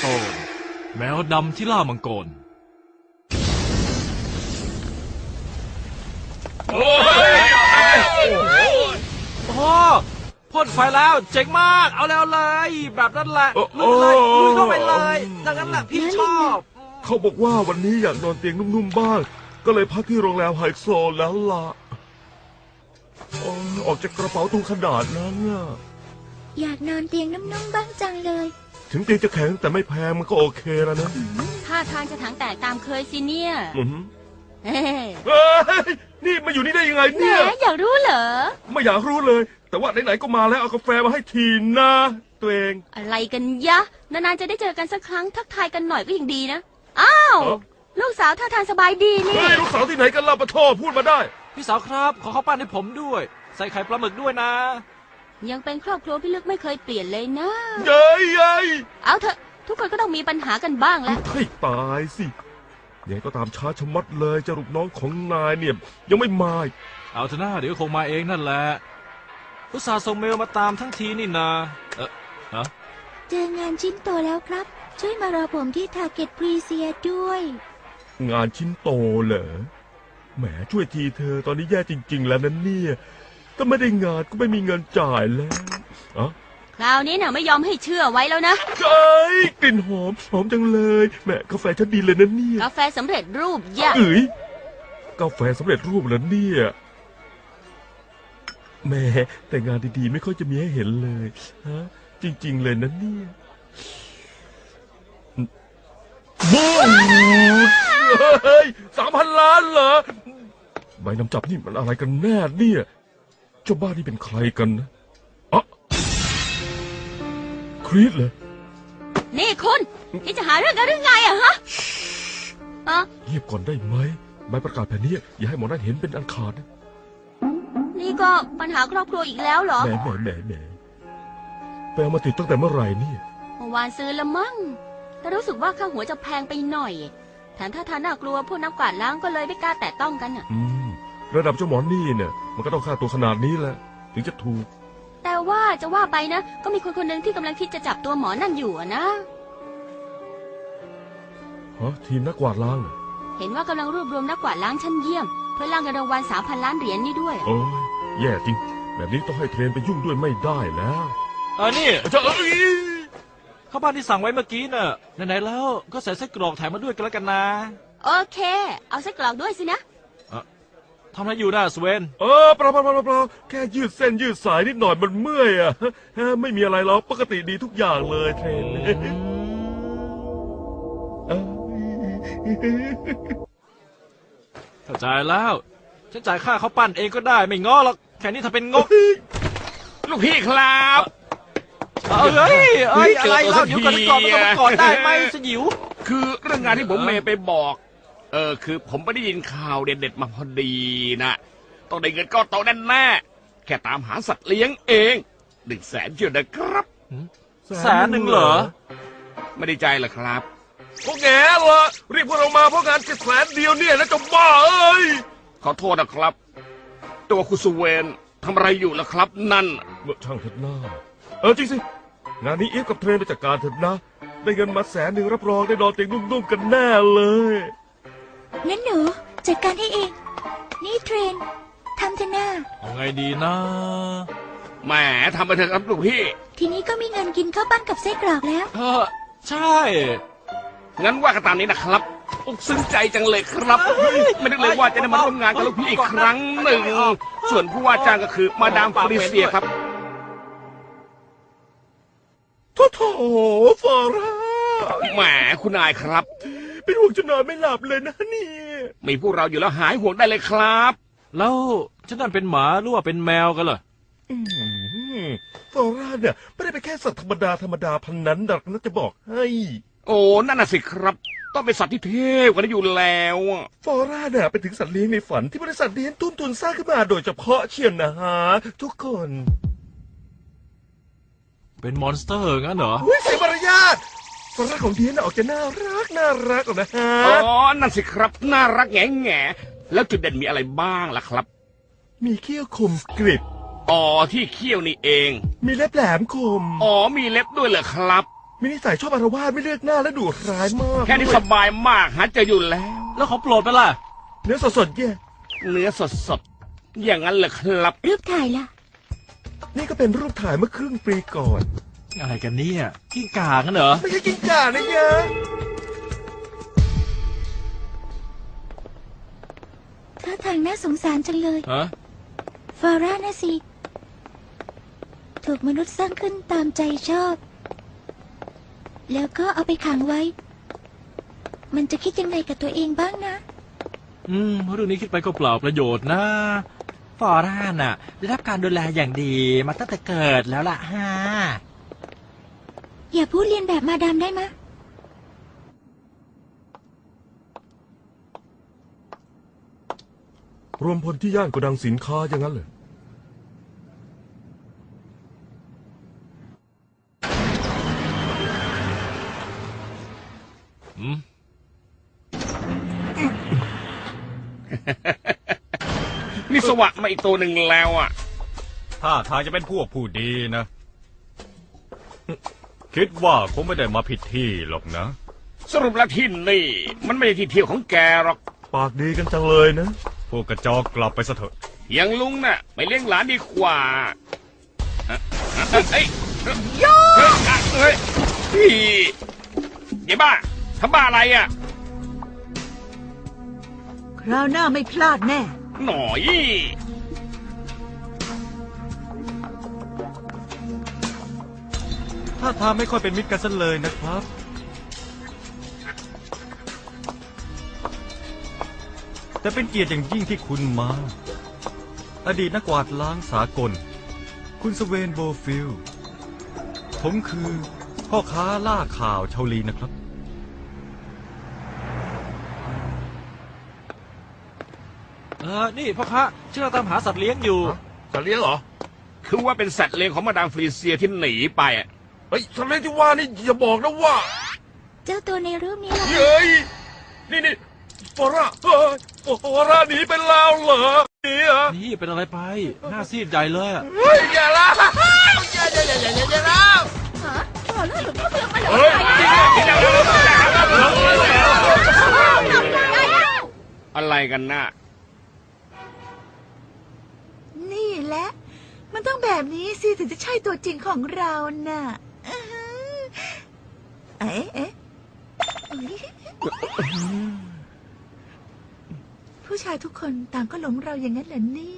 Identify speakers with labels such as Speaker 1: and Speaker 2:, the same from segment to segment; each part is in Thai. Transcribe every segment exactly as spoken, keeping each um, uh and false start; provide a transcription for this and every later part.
Speaker 1: ตนแมวดำที่ล่ามังกรโอ้ยโอ้พ่นไฟแล้วเจ๋งมากเอาแล้วเลยแบบนั้นแหละลุยเลยลุยเข้าไปเลยดังนั้นแหละพี่ชอบ
Speaker 2: เขาบอกว่าวันนี้อยากนอนเตียงนุ่มๆบ้างก็เลยพักที่โรงแรมไฮโซแล้วล่ะออกจากกระเป๋าตู้ขนาดนั้นน่ะ
Speaker 3: อยากนอนเตียงนุ่มๆบ้างจังเลย
Speaker 2: ถึงเตียงจะแข็งแต่ไม่แพงมันก็โอเคแล้วนะ
Speaker 4: ท่าทางจะถังแตกตามเคยสิเนี่ย
Speaker 2: เฮ้ยนี่มาอยู่นี่ได้ยังไงเนี่ย
Speaker 4: อยากรู้เหรอ
Speaker 2: ไม่อยากรู้เลยแต่ว่าไหนๆก็มาแล้วเอากาแฟมาให้ทีนะตัวเอง
Speaker 4: อะไรกันยะนานๆจะได้เจอกันสักครั้งทักทายกันหน่อยก็ยังดีนะอ้าวลูกสาวท่าทางสบายดีนี่
Speaker 2: ลูกสาวที่ไหนกันล่ะปะโทพูดมาได้
Speaker 1: พี่สาวครับขอข้าวปั้นให้ผมด้วยใส่ไข่ปลาหมึกด้วยนะ
Speaker 4: ยังเป็นครอบครัวพี่ลึกไม่เคยเปลี่ยนเลยนะ
Speaker 2: เย้ยเย้ย
Speaker 4: เอาเถอะทุกคนก็ต้องมีปัญหากันบ้างแหละ
Speaker 2: ให้ตายสิยังก็ตามช้าชะมัดเลยจะรูปน้องของนายเนี่ยยังไม่มา
Speaker 1: เอาเถอะนะเดี๋ยวคงมาเองนั่นแหละอุตส่าห์ส่งเมลมาตามทั้งทีนี่นาเออฮะ
Speaker 3: เจองานชิ้นโตแล้วครับช่วยมารอผมที่ทาเก็ตพรีเซียด้วย
Speaker 2: งานชิ้นโตเหรอแหมช่วยทีเธอตอนนี้แย่จริงๆแล้วนั่นเนี่ยถ้าไม่ได้งานก็ไม่มีเงินจ่ายแล้วอะ
Speaker 4: คราวนี้น่ะไม่ยอมให้เชื่อไว้แล้วนะ
Speaker 2: เอ้ยกลิ่นหอมหอมจังเลยแหมกาแฟฉันดีเลยนะเนี่ย
Speaker 4: กาแฟสำเร็จรูปยะ
Speaker 2: เอ้ยกาแฟสำเร็จรูปแล้วเนี่ยแหมแต่งานดีๆไม่ค่อยจะมีให้เห็นเลยฮะจริงๆเลยนะเนี่ยบู๊เฮ้ยสามพันล้านเหรอใบนำจับนี่มันอะไรกันแน่เนี่ยเจ้าบ้านนี่เป็นใครกันนะอะครีสเหรอ
Speaker 4: นี่คุณนี่จะหาเรื่องกันหรือไงอะฮะ
Speaker 2: อะเงียบก่อนได้ไหมใบประกาศแผ่นนี้อย่าให้หมอนั่นเห็นเป็นอันขาดนะ
Speaker 4: นี่ก็ปัญหาครอบครัวอีกแล้วเหรอ
Speaker 2: แหมแหมแหมแหมไปเอามาติดตั้งแต่เมื่อไหร่นี่
Speaker 4: เมื่อวานซื้อละมั้งแต่รู้สึกว่าค่าหัวจะแพงไปหน่อยแถมถ้าทานน่ากลัวพวกนักกวาดล้างก็เลยไม่กล้าแตะต้องกันอ่ะ
Speaker 2: อืมระดับเจ้าหมอนี่เนี่ยมันก็ต้องค่าตัวขนาดนี้แหละถึงจะถูก
Speaker 4: แต่ว่าจะว่าไปนะก็มีคนคนหนึ่งที่กำลังคิดจะจับตัวหมอนั่นอยู่นะ
Speaker 2: ฮะทีมนักกวาดล้าง
Speaker 4: เห็นว่ากำลังรวบรวมนักกวาดล้างชั้นเยี่ยมเพื่อล่างเงินรางวัลสามพันล้านเหรียญนี่ด้วย
Speaker 2: โอ้ยแย่จริงแบบนี้ต้องให้เทรนไปยุ่งด้วยไม่ได้แล้ว
Speaker 1: เออนี่เจ้าเอ้ยข้าวบ้านที่สั่งไว้เมื่อกี้น่ะไหนๆแล้วก็ใส่ไส้กรอกแถมมาด้วยกันแล้วกันนะ
Speaker 4: โอเคเอาไส้กรอกด้วยสินะ
Speaker 1: ทำอะไรอยู่นะสเวน
Speaker 2: เออเปล่าเปล่าเปล่าเปล่าแค่ยืดเส้นยืดสายนิดหน่อยมันเมื่อยอ่ะไม่มีอะไรหรอกปกติดีทุกอย่างเลยเทรน
Speaker 1: เข้าใจแล้วฉันจ่ายค่าเขาปั้นเองก็ได้ไม่ง้อหรอกแค่นี้ถ้าเป็นงก
Speaker 5: ลูกพี่ครับ
Speaker 1: เฮ้ยเอ้ยอะไรเล่าเดี๋ยวก่อนก่อนมันก่อนได้ไหมสยิว
Speaker 5: คือเรื่องงานที่ผมเมย์ไปบอกเออคือผมไม่ได้ยินข่าวเด็ดๆมาพอดีนะต้องได้เงินก้อนโตแน่แน่แค่ตามหาสัตว์เลี้ยงเองหนึ่งแสนเชียวนะครับ
Speaker 1: แสนหนึ่งเหรอ
Speaker 5: ไม่ได้ใจเหรอครับ
Speaker 2: พวกแง่เหรอเรียกพวกเรามาเพราะงานแค่แสนเดียวเนี่ยนะจะบ้าเอ้ย
Speaker 5: ขอโทษนะครับตัวคุณสุเวนทำอะไรอยู่ล่ะครับนั่น
Speaker 2: เมื่อช่างเถิดหน้าเออจริงสิงานนี้อีฟกับเทรนไปจัดการเถิดนะได้เงินมาแสนหนึ่งรับรองได้นอนเตียงนุ่มๆกันแน่เลย
Speaker 3: งั้นหนูจัดการให้เองนี่เทรนทำเถอะหน้า
Speaker 1: เอาไงดีนะ
Speaker 5: แหมทำไปเถอะครับลูกพี่
Speaker 3: ทีนี้ก็มีเงินกินข้าวปั้นกับไส้กรอกแล้ว
Speaker 1: เออใช่
Speaker 5: งั้นว่ากันตามนี้นะครับอกซึ้งใจจังเลยครับไม่นึกเลยว่าจะได้มาร่วมงานกับลูกพี่อีกครั้งหนึ่งส่วนผู้ว่าจ้างก็คือมาดามฟริเซียครับ
Speaker 2: โถ่โถ่ฟอร่า
Speaker 5: แหมคุณนายครับ
Speaker 2: เป็นห่วงจนนอนไม่หลับเลยนะนี่
Speaker 5: มีพวกเราอยู่แล้วหายห่วงได้เลยครับ
Speaker 1: แล้วฉันนั่นเป็นหมาหรือว่าเป็นแมวกันเหรอ
Speaker 2: ฟอร่าเนี่ยไม่ได้เป็นแค่สัตว์ธรรมดาธรรมดาพันนั้นดักนะจะบอกให้
Speaker 5: โอ้นั่นน่ะสิครับต้องเป็นสัตว์ที่เทพกว่านั้นอยู่แล้ว
Speaker 2: ฟอร่าเนี่ยเป็นถึงสัตว์เลี้ยงในฝันที่บริษัทเลี้ยงตุ้นตุนสร้างขึ้นมาโดยเฉพาะเชียวนะฮะทุกคน
Speaker 1: เป็นมอนสเตอร์งั้นเหรอ
Speaker 2: อุ้ยเสียมารยาทฟอร่าของเดียนออกจะน่ารักน่ารักนะฮะ
Speaker 5: อ๋อนั่นสิครับน่ารักแง่แง่แล้วจุดเด่นมีอะไรบ้างล่ะครับ
Speaker 2: มีเขี้ยวคมกริบ
Speaker 5: อ๋อที่เขี้ยวนี่เอง
Speaker 2: มีเล็บแหลมคม
Speaker 5: อ๋อมีเล็บด้วยเหรอครับ
Speaker 2: มีนิสัยชอบอารวาสไม่เลือกหน้าและดุร้ายมาก
Speaker 5: แค่นี้สบายมากหาเจออยู่แล้ว
Speaker 1: แล้วของโปรดไปล่ะ
Speaker 2: เนื้อสดๆแย่
Speaker 5: เนื้อสดๆอย่างนั้นเหรอครับ
Speaker 3: รูปถ่ายล่ะ
Speaker 2: นี่ก็เป็นรูปถ่ายเมื่อครึ่งปีก่อน
Speaker 1: อะไรกันเนี่ยกิ้งก่ากันเหรอ
Speaker 2: ไม่ใช่กินก่านะยะ
Speaker 3: ท่าทางน่าสงสารจังเลย
Speaker 1: ฮะ
Speaker 3: ฟาร่านะสิ ถูกมนุษย์สร้างขึ้นตามใจชอบ แล้วก็เอาไปขังไว้ มันจะคิดยังไงกับตัวเองบ้างนะ
Speaker 1: อืมเรื่องนี้คิดไปก็เปล่าประโยชน์นะฟอร่าน่ะ ได้รับการดูแลอย่างดีมาตั้งแต่เกิดแล้วล่ะฮะ
Speaker 3: อย่าพูดเรียนแบบมาดามได้มะ
Speaker 2: รวมพลที่ย่านโกดังสินค้าอย่างนั้นเลย
Speaker 1: อืม
Speaker 5: นี่สวะมาอีกตัวหนึ่งแล้วอ่ะ
Speaker 6: ถ้าทางจะเป็นพวกผู้ดีนะ คิดว่าคงไม่ได้มาผิดที่หรอกนะ
Speaker 5: สรุปแล้วที่นี่ มันไม่ใช่ที่เที่ยวของแกหรอก
Speaker 2: ปากดีกันจังเลยนะ
Speaker 6: พวกกระจอกกลับไปซะเถอะ
Speaker 5: อย่างลุงน่ะ ไปเลี้ยงหลานดีกว่าเอ้ยเอ้ยเฮ้ยพี่เดี๋ยวบ้าทำบ้าอะไรอ่ะ
Speaker 7: คราวหน้าไม่พลาดแน่
Speaker 5: หน่อย
Speaker 6: ถ้าทางไม่ค่อยเป็นมิตรกันซะเลยนะครับ แต่เป็นเกียรติอย่างยิ่งที่คุณมา อดีตนักกวาดล้างสากล คุณสเวนโบฟิลด์ผมคือพ่อค้าล่าข่าวชาวลีนะครับ
Speaker 1: เออนี่พ่อค้าชื่อเราตามหาสัตว์เลี้ยงอยู่
Speaker 2: จะเลี้ยงเหรอ
Speaker 5: คือว่าเป็นสัตว์เลี้ยงของมาดามฟรีเซียที่หนีไปอ่ะ
Speaker 2: เฮ้ยสัตว์เลี้ยงที่ว่านี่อย่าบอกนะว่า
Speaker 3: เจ้าตัวในรูปนี้ล่ะ
Speaker 2: เฮ้ย นี่นี่ฟอร่าเฮ้ยฟอร่าหนีไปแล้วเหรอหนีเหรอ
Speaker 1: นี่เป็นอะไรไป หน้าซีดใหญ่เลยอะ
Speaker 2: เฮ้ยอย่าละอย่าอย่าอย่าอย่าอย่าอย่าละเฮ้ย
Speaker 5: อะไรกันน่ะ
Speaker 7: นี่แหละ มันต้องแบบนี้สิถึงจะใช่ตัวจริงของเราน่ะอื้อหือเอ๊ะเอ๊ะอุ๊ยผู้ชายทุกคนต่างก็หลงเราอย่างนั้นเหรอเนี่ย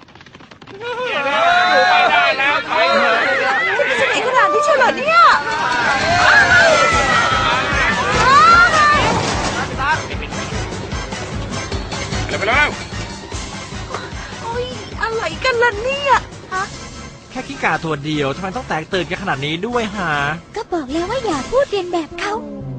Speaker 5: ไปได้แล้วถอยเถอะ
Speaker 7: สนิทขนาดนี้เชียวเหรอเนี่ย
Speaker 5: ไปแล้ว
Speaker 7: โอ้ยอะไรกันล่ะเนี่ยฮะ
Speaker 1: แค่กิ้งก่าตัวเดียวทำไมต้องแตกตื่นกันขนาดนี้ด้วยฮะ
Speaker 3: ก็บอกแล้วว่าอย่าพูดเรียนแบบเขา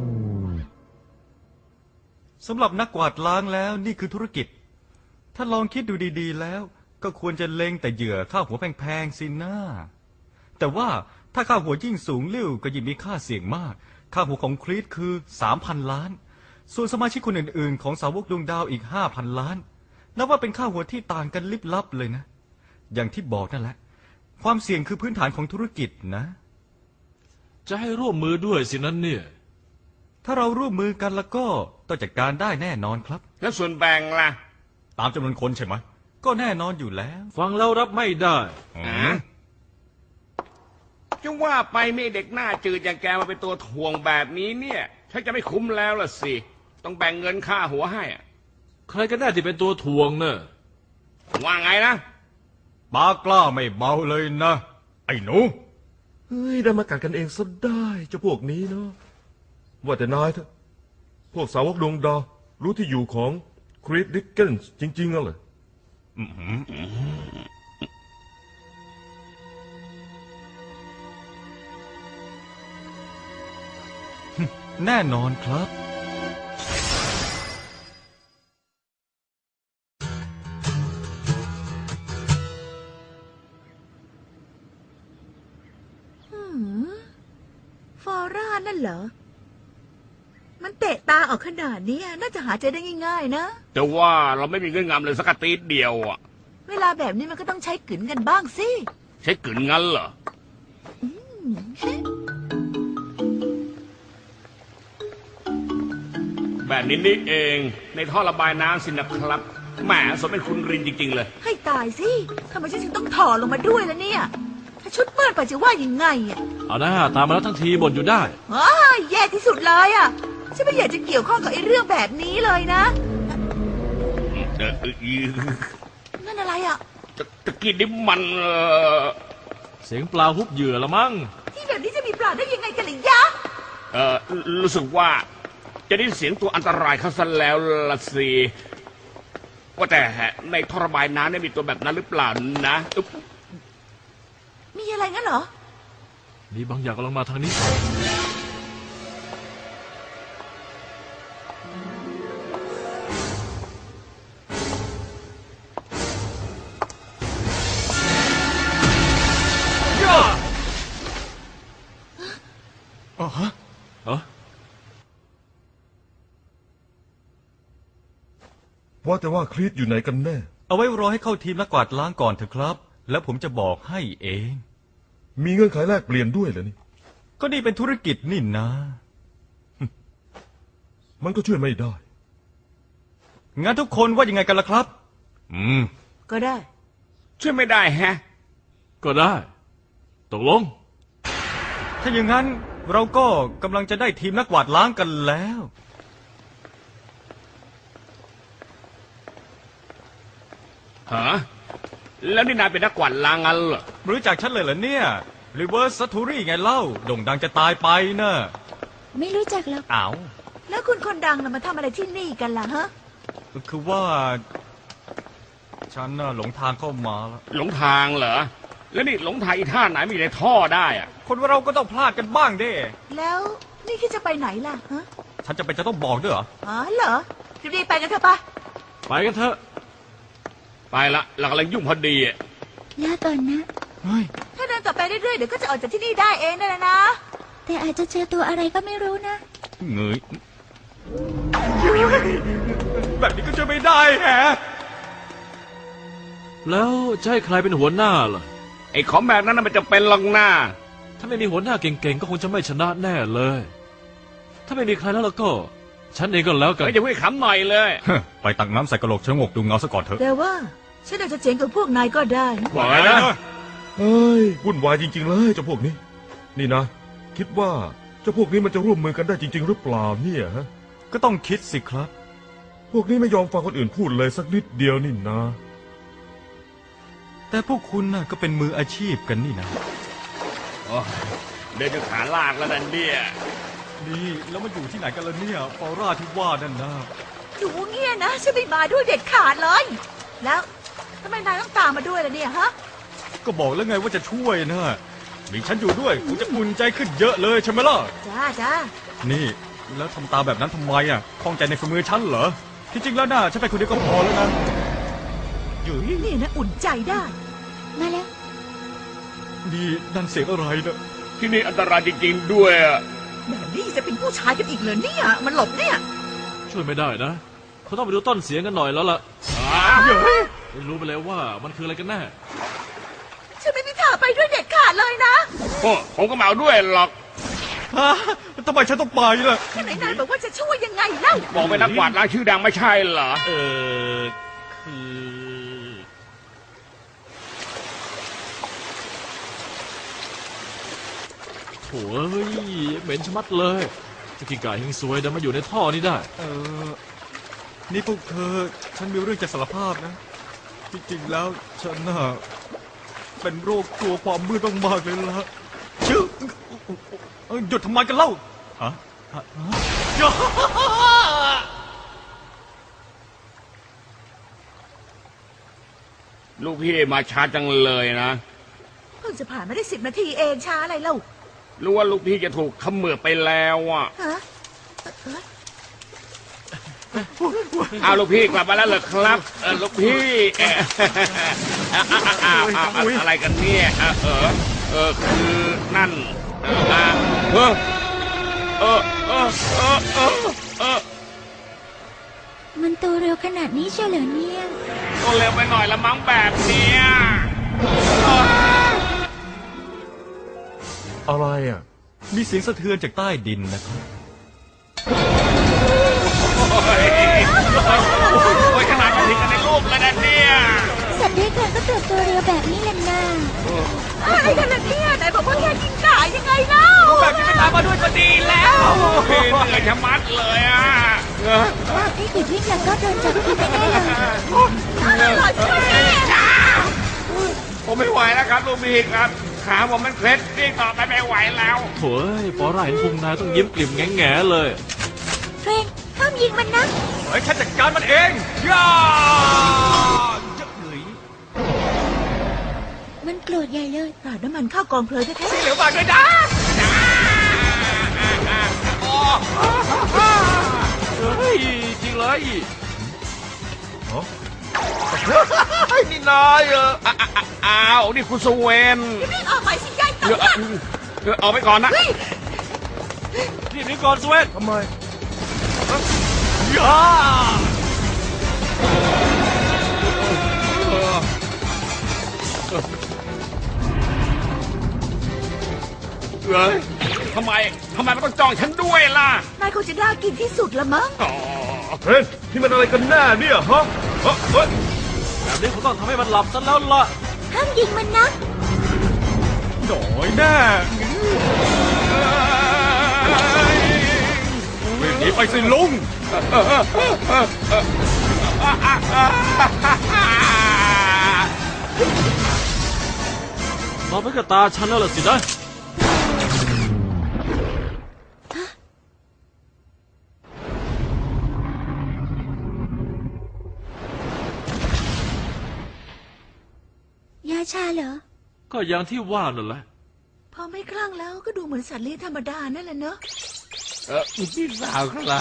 Speaker 6: สำหรับนักกวาดล้างแล้วนี่คือธุรกิจ ถ้าลองคิดดูดีๆแล้ว ก็ควรจะเล็งแต่เหยื่อค่าหัวแพงๆสินะแต่ว่าถ้าค่าหัวยิ่งสูงลิ่วก็ยิ่งมีค่าเสี่ยงมาก ค่าหัวของครีตคือสามพันล้าน ส่วนสมาชิกคนอื่นๆ ของสาวกดวงดาวอีกห้าพันล้านนับว่าเป็นค่าหัวที่ต่างกันลิบลับเลยนะ อย่างที่บอกนั่นแหละ ความเสี่ยงคือพื้นฐานของธุรกิจนะ
Speaker 1: จะให้ร่วมมือด้วยสินั้นเนี่ย
Speaker 6: ถ้าเราร่วมมือกันแล้วก็ต้องจัดการได้แน่นอนครับ
Speaker 5: แล้วส่วนแบ่งล่ะ
Speaker 6: ตามจำนวนคนใช่ไหมก็แน่นอนอยู่แล้ว
Speaker 1: ฟังแล้วรับไม่ได้
Speaker 5: อ่ะจะว่าไปไม่เด็กหน้าจืดอย่างแกมาเป็นตัวถ่วงแบบนี้เนี่ยฉันจะไม่คุ้มแล้วล่ะสิ ต้องแบ่งเงินค่าหัวให้อะ
Speaker 1: ใครกันแน่ที่เป็นตัวถ่วงเนอะ
Speaker 5: ว่าไงนะ
Speaker 6: ปากล้าไม่เบาเลยนะ ไอ้หนู
Speaker 2: เฮ้ยได้มากัดกันเองซะได้เจ้าพวกนี้เนาะว่าแต่นายเถอะพวกสาวกดวงดาวรู้ที่อยู่ของคริสดิกเกนส์จริงๆอ่ะเหรอ
Speaker 6: แน่นอนครับ
Speaker 7: หืมฟอร่านั่นเหรอ มันเตะตาออกขนาดนี้น่าจะหาเจอได้ง่ายๆนะ
Speaker 5: แต่ว่าเราไม่มีเงื่อนงำเลยสักกะตีดเดียวอ่ะ
Speaker 7: เวลาแบบนี้มันก็ต้องใช้กลืนกันบ้างสิ
Speaker 5: ใช้กลืนงั้นเหรอ
Speaker 7: อืม
Speaker 5: แบบนี้นี่เองในท่อระบายน้ำสินะครับแหมสมเป็นคุณรินจริง ๆ เลย
Speaker 7: ให้ตายสิทำไมฉันถึงต้องถอดลงมาด้วยล่ะเนี่ย ถ้าชุดเปื้อนไปจะว่ายังไงอ่ะ
Speaker 1: เอาหน้าตามมาแล้วทั้งทีบ่นอยู่ได้
Speaker 7: อ้าแย่ที่สุดเลยอ่ะฉันไม่อยากจะเกี่ยวข้องกับไอ้เรื่องแบบนี้เลยนะ
Speaker 5: เออเออ
Speaker 7: นั่นอะไรอ่ะ
Speaker 5: ตะตะกี้นี่มันเอ่อ
Speaker 1: เสียงปลาฮุบเหยื่อละมั้ง
Speaker 7: ที่แบบนี้จะมีปลาได้ยังไงกันหรือยะ
Speaker 5: เออรู้สึกว่าจะได้เสียงตัวอันตรายเข้าซะแล้วละสิว่าแต่ในท่อระบายน้ำเนี่ยมีตัวแบบนั้นหรือเปล่านะอึ๊บ
Speaker 7: มีอะไรงั้นเหรอ
Speaker 1: มีบางอย่างกำลังมาทางนี้
Speaker 6: อ๋อฮะ
Speaker 1: เออ
Speaker 2: ว่าแต่ว่าคลีตอยู่ไหนกันแน่
Speaker 6: เอาไว้รอให้เข้าทีมนักกวาดล้างก่อนเถอะครับ แล้วผมจะบอกให้เอง
Speaker 2: มีเงื่อนไขแลกเปลี่ยนด้วยเหรอนี่
Speaker 6: ก็นี่เป็นธุรกิจนี่นะ
Speaker 2: มันก็ช่วยไม่ได้
Speaker 6: งั้นทุกคนว่ายังไงกันล่ะครับ อืม
Speaker 7: ก็ได้
Speaker 5: ช่วยไม่ได้แฮะ
Speaker 1: ก็ได้ ตกลง
Speaker 6: ถ้าอย่างนั้นเราก็กำลังจะได้ทีมนักกวาดล้างกันแล้ว
Speaker 5: ฮะแล้วนี่นายเป็นนักกวาดล้างงั้นเหรอ
Speaker 6: รู้จักฉันเลยเหรอเนี่ย Reverse Satori ไงเล่าโด่งดังจะตายไปเนอะ
Speaker 3: ไม่รู้จักหรอก
Speaker 6: อ้าว
Speaker 7: แล้วคุณคนดังน่ะมาทำอะไรที่นี่กันล่ะฮะ
Speaker 6: คือว่า ฉันน่ะหลงทางเข้ามาแล้ว
Speaker 5: หลงทางเหรอแล้วนี่หลงทางอีท่าไหนมีในท่อได้อะ
Speaker 6: คนเราก็ต้องพลาดกันบ้างเด้
Speaker 7: แล้วนี่คิดจะไปไหนล่ะฮะ
Speaker 6: ฉันจะไปนจะต้องบอกด้วยเหรอ
Speaker 7: อ๋อเหรอรีบๆไปกันเถอะปะ
Speaker 1: ไปกันเถอะ
Speaker 5: ไปละเรากำลังยุ่งพอดีอะ
Speaker 3: ลาก่อนนะ
Speaker 6: เฮ้ย
Speaker 7: ถ้าเดินต่อไปเรื่อยๆเดี๋ยวก็จะออกจากที่นี่ได้เองนั่นแหละนะ
Speaker 3: แต่อาจจะเจอตัวอะไรก็ไม่รู้นะ
Speaker 6: เงยแบบนี้ก็จะไม่ได้แฮะ
Speaker 1: แล้วจะให้ใครเป็นหัวหน้าล่ะ
Speaker 5: ไอ้ของแบบนั้นน่ะมันจะเป็นหลังหน้า
Speaker 1: ถ้าไม่มีหัวหน้าเก่งๆ ก็คงจะไม่ชนะแน่เลย ถ้าไม่มีใครแล้วแล้วก็ ฉันเองก็แล้วกัน
Speaker 5: เฮ้ยจะพูดขำหน่อยเลย
Speaker 6: ไปตักน้ำใส่กระโหลกชะงกดูเงาซะก่อนเถอะ
Speaker 7: แต่ว่าฉันอาจจะเจ๋งกับพวกนายก็ได้
Speaker 5: บอกเลยนะ
Speaker 2: เฮ้ยวุ่นวายจริง ๆ เลยเจ้าพวกนี้ นี่นะ คิดว่าเจ้าพวกนี้มันจะร่วมมือกันได้จริง ๆ หรือเปล่าเนี่ยฮะ
Speaker 6: ก็ต้องคิดสิครับ
Speaker 2: พวกนี้ไม่ยอมฟังคนอื่นพูดเลยสักนิดเดียวนี่นะ
Speaker 6: แต่พวกคุณน่ะก็เป็นมืออาชีพกันนี่นะ
Speaker 5: โอ้ยเดินจนขาลากแล้วนั่นเนี่ย
Speaker 6: นี่แล้วมันอยู่ที่ไหนกันล่ะเนี่ยฟอร่าที่ว่านั่นนะ
Speaker 7: อยู่เงี้ยนะฉันไม่มาด้วยเด็ดขาดเลย แล้วทำไมนายต้องตามมาด้วยล่ะเนี่ยฮะ
Speaker 6: ก็บอกแล้วไงว่าจะช่วยนะมีฉันอยู่ด้วยคุณจะอุ่นใจขึ้นเยอะเลยใช่ไหมล่ะ
Speaker 7: จ้าจ้า
Speaker 6: นี่แล้วทำตาแบบนั้นทำไมอ่ะคล่องใจในฝีมือฉันเหรอ ที่จริงแล้วน่ะฉันไปคนเดียวก็พอแล้วนะอยู่
Speaker 7: นี่นะอุ่นใจได้
Speaker 3: มาแล้ว
Speaker 6: นี่นั่นเสียงอะไรนะ
Speaker 5: ที่นี่อันตรายจริงๆด้วยอะ
Speaker 7: แบบนี้จะเป็นผู้ชายกันอีกเหรอเนี่ย มันหลบเนี่ย
Speaker 1: ช่วยไม่ได้นะเขาต้องไปดูต้นเสียงกันหน่อยแล้วล่ะ
Speaker 5: อ่า
Speaker 1: ไม่รู้ไปแล้วว่ามันคืออะไรกันแน่
Speaker 7: ฉันไม่มีทางไปด้วยเด็ดขาดเลยนะ
Speaker 5: โอ้ผมก็เมาด้วยหรอก
Speaker 6: ฮะทำไมฉันต้องไปล่ะ
Speaker 7: ไหนนายบอกว่าจะช่วยยังไงเล่า
Speaker 5: บอกเป็นนักกวาดล้างชื่อดังไม่ใช่เหรอ
Speaker 1: เออคือโถ่เอ้ยเหม็นชะมัดเลยจะกินไก่เฮงซวยดันมาอยู่ในท่อนี้ได้
Speaker 6: เออ นี่พวกเธอ ฉันมีเรื่องจะสารภาพนะ จริงๆแล้วฉันน่ะเป็นโรคกลัวความมืดมากๆเลยละชื่อเอ้ยหยุดทำไมกันเล่าฮะฮะฮะอย่า
Speaker 5: ลูกพี่มาช้าจังเลยนะ
Speaker 7: เพิ่งจะผ่านมาได้สิบนาทีเองช้าอะไรเล่า
Speaker 5: รู้ว่าลูกพี่จะถูกเขมือบไปแล้วอ่ะ
Speaker 7: ฮะ
Speaker 5: เอาลูกพี่กลับมาแล้วเหรอครับเออลูกพี่เอ่ออ้าวอ้าวอ้าวอ้าวอะไรกันเนี่ยเออเออเออคือนั่นเอออ่ะเออเออเออเออเออเออ
Speaker 3: มันโตเร็วขนาดนี้เชียวเหรอเนี่ย
Speaker 5: ก็เร็วไปหน่อยละมั้งแบบเนี้ย
Speaker 2: อะไรอ่ะ
Speaker 6: มีเสียงสะเทือนจากใต้ดินนะครับ
Speaker 5: โอ้ยขนาดมันถึงกันในรูปเลยนะเนี่ย
Speaker 3: สัตว์ด้วยกันก็เติบโตเร็วแบบนี้แหละนะ
Speaker 7: อะไรกันล่ะเนี่ยไหนบอกว่าแค่กินขายังไงเล่า
Speaker 1: แบบนี้ไม่ตามมาด้วยก็ดีแล้ว
Speaker 5: เหนื่อยชะมัดเลยอ่ะ
Speaker 3: ให้หยุดวิ่งแล้วก็โดนจับกินแน่ๆเลย
Speaker 5: ผมไม่ไหวแล้วครับลูกพี่ครับขาผมมันเคล็ดนี่ต่อไปไม่ไหวแล้ว
Speaker 1: โถ่ฟอร่าเห็นพุงนายต้องยิ้มกลิ่มแง่ๆเลย
Speaker 3: เทรนห้ามยิงมันนะ
Speaker 6: เฮ้ยฉันจัดการมันเองย่าจะเหนื่อย
Speaker 3: มันโกรธใหญ่เลย
Speaker 7: ราดน้ำมันเข้ากองเพลิงแท้
Speaker 6: เหลวมากเลยนะ
Speaker 1: เฮ้ย จริงเลย
Speaker 2: นี่นายเออ
Speaker 5: อ่ะอ่ะอ่ะอ้าว นี่คุณสเวน
Speaker 7: ๆรีบออกไปสิยาย
Speaker 5: เดี๋ยวเดี๋ยวเอาไปก่อนนะ
Speaker 1: รีบหนีก่อนสเวน
Speaker 2: ทำไม
Speaker 1: ย่า
Speaker 5: เอ้ยทำไม ทำไมมันต้องจ้องฉันด้วยล่ะ
Speaker 7: นายคงจะน่ากินที่สุดละมั้ง
Speaker 5: อ๋อ
Speaker 2: เฮ้ยนี่มันอะไรกันแน่เนี่ยฮะเฮ้ยเฮ้ย
Speaker 1: แบบนี้คงต้องทำให้มันหลับซะแล้วล่ะ
Speaker 3: ห้ามยิงมันนะ
Speaker 6: หน่อยแน่วิ่งหนีไปสิลุง
Speaker 1: มองไปกับตาฉันแล้วล่ะสินะ
Speaker 3: ยาชาเหรอ
Speaker 1: ก็อย่างที่ว่านั่นแหละ
Speaker 7: พอไม่คลั่งแล้วก็ดูเหมือนสัตว์เลี้ยงธรรมดานั่นแหละเนอะ
Speaker 5: เออพี่สาวครับ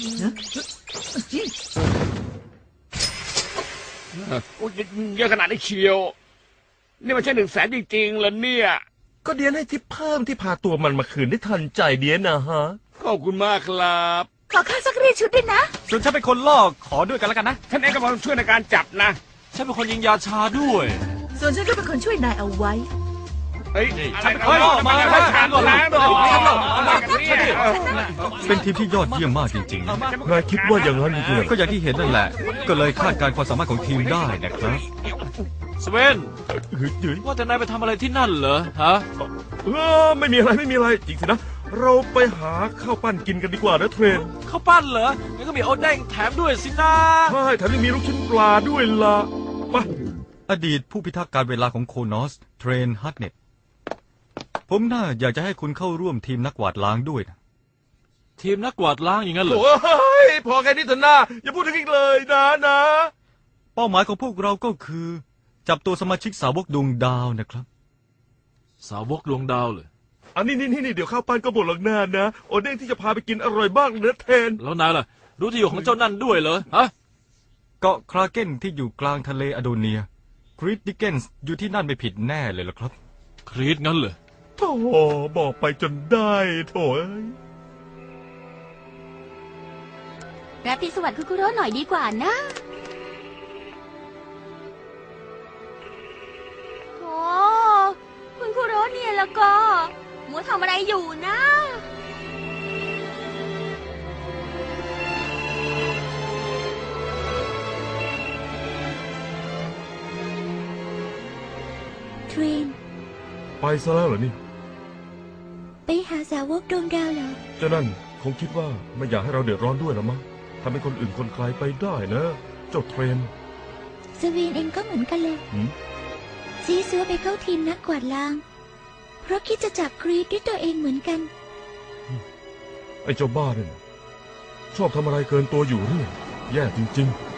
Speaker 5: โอ้ยเยอะขนาดนี้เชียว นี่มันใช่หนึ่งแสนจริงๆเหรอเนี่ย
Speaker 2: ก็เดียนให้ทิปเพิ่มที่พาตัวมันมาคืนได้ทันใจเดียนนะฮะ
Speaker 5: ขอบคุณมากครับ
Speaker 7: ขอค่าซักรีดชุดด้วยนะ
Speaker 6: ส่วนฉันเป็นคนล่อขอด้วยกันแล้วกันนะ
Speaker 5: ท่านเองก็มาช่วยในการจับนะ
Speaker 1: ฉันเป็นคนยิงยาชาด้วย
Speaker 7: ส่วนฉันก็เป็นคนช่วยนายเอาไว้
Speaker 5: เฮ้ย
Speaker 1: ฉันเป็นคนล่อมา
Speaker 5: ให้ทานก่อนนะดอกอะไรกันเนี่ย
Speaker 6: เป็นทีมที่ยอดเยี่ยมมากจริงๆนะ
Speaker 2: นายคิดว่าอย่างนั้นจริงๆเหรอ
Speaker 6: ก็อย่างที่เห็นนั่นแหละ ก็เลยคาดการณ์ความสามารถของทีมได้นะครับ
Speaker 1: สเวน
Speaker 2: เฮ้ยเฮ้ย
Speaker 1: ว่าแต่นายไปทำอะไรที่นั่นเหรอ ฮะ
Speaker 2: เออไม่มีอะไรไม่มีอะไรจริงสินะ เราไปหาข้าวปั้นกินกันดีกว่านะเทรน
Speaker 1: ข้าวปั้นเหรองั้นก็มีโอเด้งแถมด้วยสินะ
Speaker 2: ใช่แถมยังมีลูกชิ้นปลาด้วยล่ะมา
Speaker 6: อดีตผู้พิทักษ์การเวลาของโคนอสเทรนฮัตเน็ตผมน่าอยากจะให้คุณเข้าร่วมทีมนักกวาดล้างด้วยนะ
Speaker 1: ทีมนักกวาดล้างอย่างนั้นเหรอ
Speaker 2: โอ้ยพอแค่นี้เถอะนะอย่าพูดถึงอีกเลยนะนะ
Speaker 6: เป้าหมายของพวกเราก็คือ จับตัวสมาชิกสาวกดวงดาวนะครับ
Speaker 1: สาวกดวงดาวเลย
Speaker 2: อันนี้นี่นี่เดี๋ยวข้าวปั้นก็บดหลังหน้านะโอเด้งที่จะพาไปกินอร่อยมากเลยนะเทรน
Speaker 1: แล้วนายล่ะ รู้ที่อยู่ของเจ้านั่นด้วยเหรอ ฮะ
Speaker 6: เกาะคราเกนที่อยู่กลางทะเลอโดเนียคริสดิเกนส์อยู่ที่นั่นไม่ผิดแน่เลยล่ะครับ
Speaker 1: ครีตงั้นเหรอ
Speaker 2: โถ่บอกไปจนได้โถ่เอ้ย
Speaker 4: ราตรีสวัสดิ์คุคุโร่หน่อยดีกว่านะโอ้คุณคุโร่เนี่ยแล้วก็มัวทำอะไรอยู่นะ
Speaker 3: เทรน
Speaker 2: ไปซะแล้วเหรอนี่
Speaker 3: ไปหาสาวกดวงดาวเหรอ
Speaker 2: เจ้านั่นคงคิดว่าไม่อยากให้เราเดือดร้อนด้วยหรอมั้งทำให้คนอื่นคนไกลไปได้นะ เจ้าเทรน
Speaker 3: สวีนเองก็เหมือนกันเลย
Speaker 2: หืม
Speaker 3: ซีซัวไปเข้าทีมนักกวาดล้าง เพราะคิดจะจับครีดด้วยตัวเองเหมือนกัน
Speaker 2: ไอ้เจ้าบ้าเนี่ยชอบทำอะไรเกินตัวอยู่เรื่อยแย่จริง ๆ